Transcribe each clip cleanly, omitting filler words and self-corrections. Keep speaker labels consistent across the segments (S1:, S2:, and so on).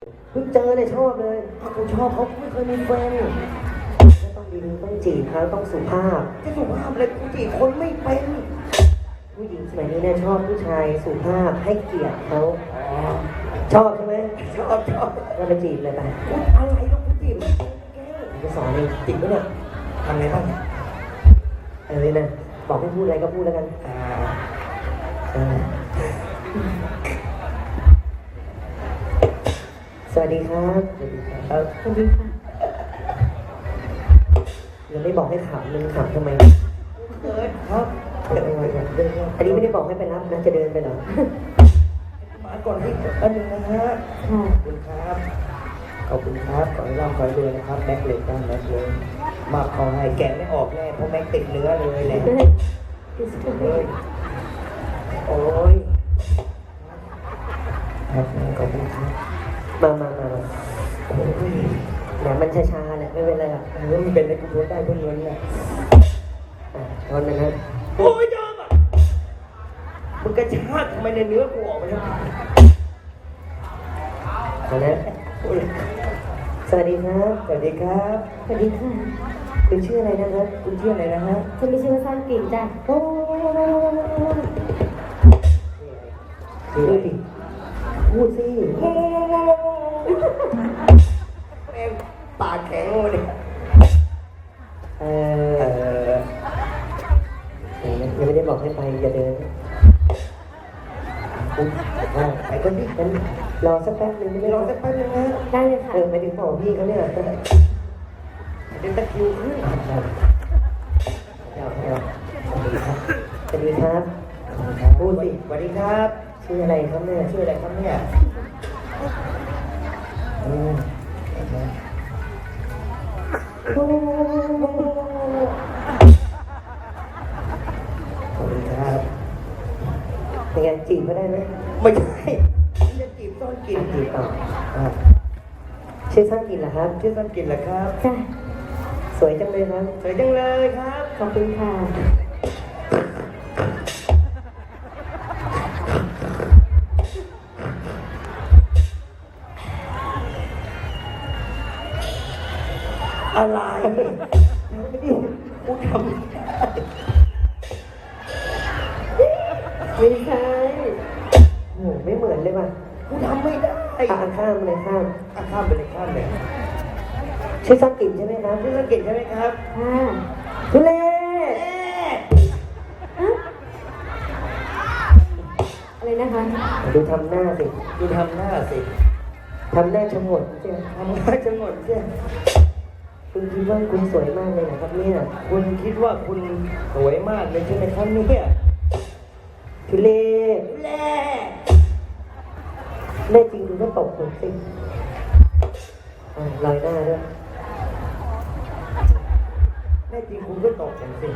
S1: เพิ่งเจอเลยชอบเลย
S2: กูชอบเขาไม่เคยมีแฟน
S1: ต้องดีต้องจีบเขาต้องสุภาพ
S2: จะสุภาพเลยกูจีบคนไม่เป็น
S1: ผู้หญิงสมัยนี้เนี่ยชอบผู้ชายสุภาพให้เกียรติเขา
S2: อ๋อ
S1: ชอบใช่ไหม
S2: ชอบ
S1: ก็ไปจีบเลยไป
S2: กูอะไรลูกกูจีบไม่เป็นแก
S1: ผมจะสอนเองจริงปะเนี่ย
S2: ทำไงบ้าง
S1: เลยนะบอกให้พูดอะไรก็พูดแล้วกันเออสวัสดีครับสวัสดีครับ
S3: สวัสดีค่ะ
S1: ยังไม่บอกให้ขำมึงขำทำไม
S2: เกิดครับ
S1: อันนี้ไม่ได้บอกให้ไปรับนะจะเดินไปเหรอ
S2: มาก่อนที่อันหนึ่งนะฮะ
S3: ค่ะ
S2: ขอบคุณครับขอบคุณครับขอให้ร่ำขอให้รวยนะครับแม็กเล็กตั้งแม็กเลยมาขอให้แกะไม่ออกแน่เพราะแม็กติดเนื้อเลยแหละเฮ้ยโอ้ยครับขอบคุณครับ
S1: มา
S2: โอ้ย
S1: แหมมันช้าๆแหละไม่เป็นไรหรอก
S2: มันเป็นอะไรกูรู้ได้เพื่อนเงินเนี่ย
S1: ตอนนั้นนะ
S2: โอ้ยยอมอ่ะมึงกระชากทำไมในเนื้อกูออกไปแล้ว
S1: ตอนนั้นสวัสดีครับ
S2: สวัสดีครับ
S3: สวัสดีค่ะ
S1: คุณชื่ออะไรนะครับ
S2: คุณชื่ออะไรนะฮะ
S3: ฉันมีชื่อว่าสั้นกิ่งจ้ะ
S1: โอ้พูดสิพูดสิ
S2: แม่งปากแข็งเลย
S1: เออยังไม่ได้บอกให้ไปอย่าเดินไปก็ดิกันรอสักแป๊บนึงไม่
S2: ร
S1: ร
S2: อ
S1: อ
S2: สั
S1: สั
S2: ก
S1: ก
S2: แป๊บนึงนะ
S3: ได้เลยค่ะ
S1: ไปถึงบอกพี่เขาเนี่ย
S2: เดี๋ยวตะคริวขึ้น
S1: สวัสดีครับพูดสิ
S2: สวัสดีครับ
S1: ชื่ออะไรครับเนี่ย
S2: ชื่ออะไรครับเนี่ยขอบคุณครับ
S1: เป็นไงจีบเขาได้ไหม
S2: ไม่ใช่จะจีบซ่อนกิน
S1: จีบต่อชื่อสร้างกินเหรอครับ
S2: ชื่อซ่อนกินเหรอครับ
S3: จ้ะ
S1: สวยจังเลยครับ
S2: สวยจังเลยครับ
S3: ขอบคุณค่ะ
S2: อะไรกูทำ
S1: ไม่ใช่โอ้โหไม่เหมือนเลยว่ะ
S2: กูทำไม่ได้
S1: ข้ามเลยข้าม
S2: ข้ามไปเลยข้ามเลย
S1: ชื่อสร้างกินใช่ไหมครับ
S2: ชื่อซ่อนกินใช่ไหมครับ
S3: ค่ะ
S1: ทุเล่
S3: อะไรนะคะ
S1: ดูทำหน้าสิ
S2: ดูทำหน้าสิ
S1: ทำหน้าชะงนใช่ไหม
S2: ทำหน้าจะหมดใช่
S1: คุณคิดว่าคุณสวยมากเลยนะครับเนี่ย
S2: คุณคิดว่าคุณสวยมากเลยใช่ไหมครับเนี่ย
S1: ทุเล่
S2: แล่
S1: แน่จริงคุณก็ตบผมสิลอยหน้าด้วย
S2: แน่จริงคุณก็ตกกันสิ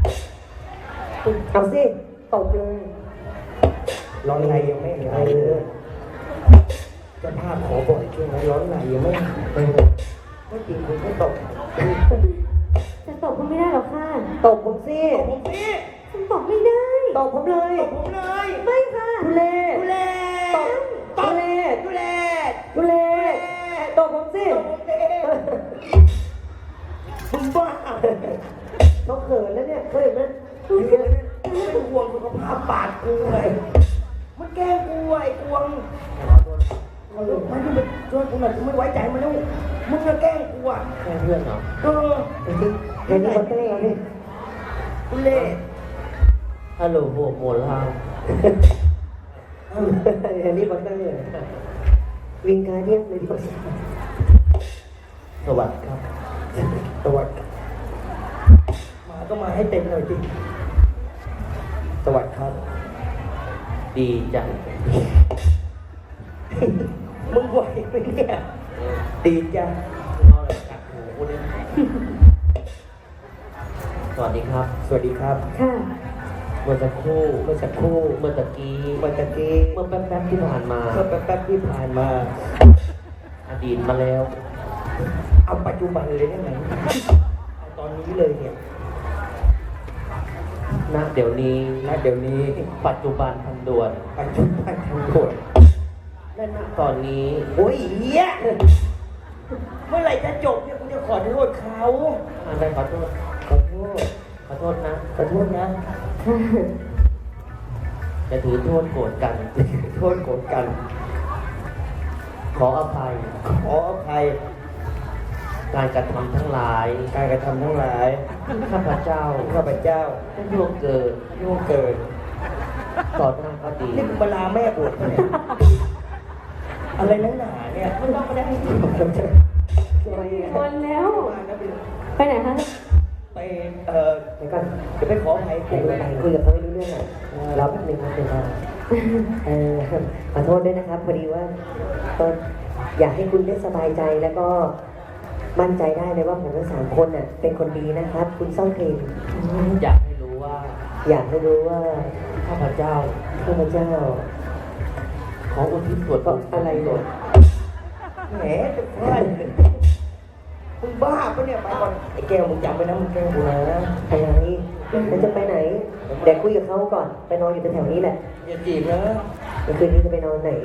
S1: เอาสิตบเลย
S2: ร้อนในยังไม่หายเลยเจะภาพขอบ่อยช่วงนี้ร้อนในยังไม่หายแน่จริงคุณก็ตก
S3: จะตบก็ไม่ได้หรอกค่ะ
S1: ตบผมสิ
S2: ตกผมสิ
S3: ฉันตบไม่ได้
S1: ตบผมเลย
S2: ตกผมเลย
S3: ไม่ค่ะ
S1: ทุเล่
S2: ดูแล
S1: ตบทุเล่
S2: ดูแล
S1: ทุเล่ตบผมสิ
S2: ตกผมสิมึงบ้า
S1: เขาเขินแล้วเนี่ยเคยเห็นไหม
S2: ไม่ห่วงสุขภาพปากกูเลยมันแกล้งกูไอ้กวงมันที่มันช่วยกูหน่อยกูไม่ไว้ใจมันแล้วมึงจะแกล้งกูอ่ะ
S1: แค่เพื่อนเหรอ
S2: เออ
S1: เดี๋ยวนี้คนเต้นแล้วนี่
S2: กูเล่
S1: ฮัลโหลโหโมลาเดี๋ยวนี้คนเต้นเลยวิงการเดียนเลยดีกว่า
S2: สวัสดีครับสวัสดีมาก็มาให้เต็มหน่อยดิสวัสดีครับ
S1: ดีจัง
S2: มึงไหวไหมเนี่ยดีจ้ะ
S1: สวัสดีครับ
S2: สวัสดีครับ
S3: ค่ะ
S1: เมื่อสักครู่
S2: เมื่อสักครู่
S1: เมื่อตะกี้
S2: เมื่อตะกี้
S1: เมื่อแป๊บๆที่ผ่านมา
S2: เมื่อแป๊บๆที่ผ่านมา
S1: อดีตมาแล้ว
S2: เอาปัจจุบันเลยได้ไหมเอาตอนนี้เลยเนี่ย
S1: ณเดี๋ยวนี้
S2: ณเดี๋ยวนี้
S1: ปัจจุบันทันด่วน
S2: ปัจจุบันทั้งหมด
S1: และณตอนนี้
S2: โอ้ยเหี้ยเมื่อไหร่จะจบเนี่ยกูจะขอโทษเขา
S1: อะไรขอโทษ
S2: ขอโทษ
S1: ขอโทษนะ
S2: ขอโทษนะ
S1: จะถือโทษโกรธกัน
S2: โทษโกรธกัน
S1: ขออภัย
S2: ขออภัย
S1: การกระทำทั้งหลาย
S2: การกระทำทั้งหลาย
S1: ข้าพเจ้า
S2: ข้าพเจ้า
S1: ได้ล่วงเกิน
S2: ล่วงเกิน
S1: ต่อหน้าก็ดี
S2: นี่กูมาลาแม่บวชปะเนี่ยอะไรนักหนาเนี่ยไม่ต้องมาได้
S3: วันแล้ว
S2: มานะเป็น
S3: ไปไหนคะ
S2: ไป
S1: เดี๋ยวก่อน
S2: จะไปขออภัย
S1: คุ
S2: กู
S1: ยกับคุยกับเขาไม่รู้เรื่องอ่ะรอแป๊บนึงครับเดี๋ยวขอโทษด้วยนะครับพอดีว่าก็อยากให้คุณได้สบายใจแล้วก็มั่นใจได้เลยว่าผมทั้งสามคนน่ะเป็นคนดีนะครับ คุณซ่องเพลงอยากให้รู้ว่า อยากให้รู้ว่าข้าพเจ้าขออุทิศส่วนอะไรหมด
S2: แหมจะพลาดมึงบ้าปะเนี่ยไปก่อนไอ้แก้วมึงจำไว้นะมึงแกล้งกูนะ
S1: อะไรแล้วจะไปไหนเดี๋ยวคุยกับเขาก่อนไปนอนอยู่แถวๆนี้แหละ
S2: อย่าจีบนะ
S1: เมื่อคืนนี้จะไปนอนไหน